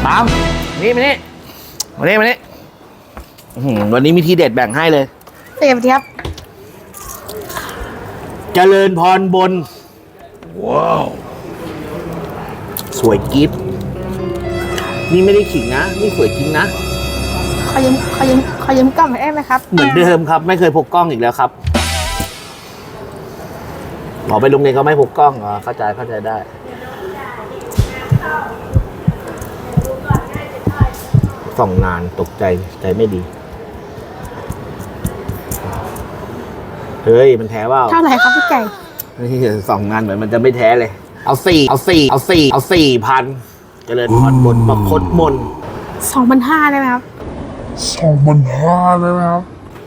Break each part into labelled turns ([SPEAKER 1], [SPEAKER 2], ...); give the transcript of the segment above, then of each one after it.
[SPEAKER 1] ตามนี่มานี่มานี่วันนี้มีทีเด็ดแบ่งให้เลย
[SPEAKER 2] เสียบครับ
[SPEAKER 1] เจริญพรบนว้าวสวยกิ๊บนี่ไม่ได้ขิงนะนี่สวยจริงนะ
[SPEAKER 2] ขอยืมกล้องได้ไหมครับ
[SPEAKER 1] เหมือนเดิมครับไม่เคยพกกล้องอีกแล้วครับหมอไปโรงเรียนเขาไม่พกกล้องเข้าใจได้ส่องนานตกใจไม่ดีเฮ้ยมันแท้ว่า
[SPEAKER 2] เท่าไหร่ครับพี่ไก่
[SPEAKER 1] นี่ส่องนานเหมือนมันจะไม่แท้เลยเอา4,000เจริญพรบนประคตมน
[SPEAKER 2] 2,500ได้ไหมครับ
[SPEAKER 3] 2,500ได้ไหมครับ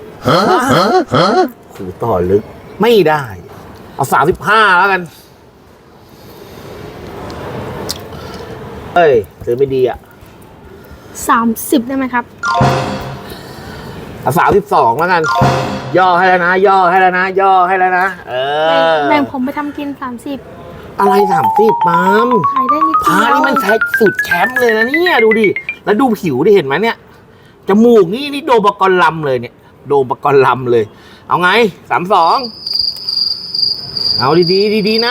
[SPEAKER 1] หูต่อลึกไม่ได้เอา35แล้วกันเอ้ยซื้อไม่ดี
[SPEAKER 2] 30ได้ไหมครับ
[SPEAKER 1] เอา32แล้วกันย่อให้แล้วนะ
[SPEAKER 2] แบ่งผมไปทำกิน30
[SPEAKER 1] อะไร30ปาล์ม
[SPEAKER 2] ขายได้นิดเดียว
[SPEAKER 1] พานี่มันใช้สุดแชมป์เลยนะเนี่ยดูดิแล้วดูผิวดิเห็นไหมเนี่ยจมูกนี่โดมปกรณ์ลำเลยเนี่ยโดมปกรณ์ลำเลยเอาไง32เอาดีนะ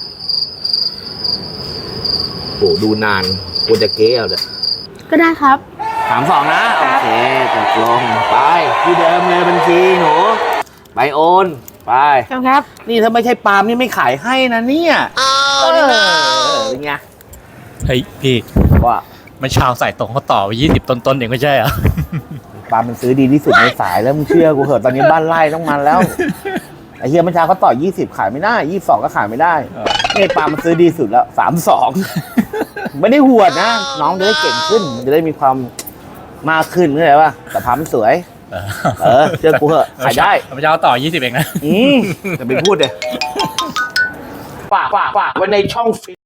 [SPEAKER 1] โอ้ดูนานกูจะเก๊เอาเลย
[SPEAKER 2] ก็ได้ครับ
[SPEAKER 1] 32นะโอเคตกลงไปที่เดิมเลยบัญชีหนูไปโอนไป
[SPEAKER 2] ครับ
[SPEAKER 1] นี่ถ้าไม่ใช่ปาล์มนี่ไม่ขายให้นะเนี่ยเป็นไง
[SPEAKER 3] เฮ้ยพี่
[SPEAKER 1] ว่า
[SPEAKER 3] มันชาวใส่ตรงเขาต่อไป20ต้นเองไม่ใช่เหรอ
[SPEAKER 1] ปาล์มมันซื้อดีที่สุดในสายแล้วมึงเชื่อกูเหอะตอนนี้บ้านไร่ต้องมันแล้วไอ้เฮียมันชาเขาต่อ20ขายไม่ได้22ก็ขายไม่ได้นี่ปาล์มมันซื้อดีสุดแล้ว32ไม่ได้หวดนะน้องจะได้เก่งขึ้นจะได้มีความมากขึ้นเข้าใจป่ะแต่พามันสวยเชื่อกูเหอะขายได้
[SPEAKER 3] มันจะเอาต่อ20เองนะ
[SPEAKER 1] จะไปพูดเลยฝากไว้ในช่องฟิ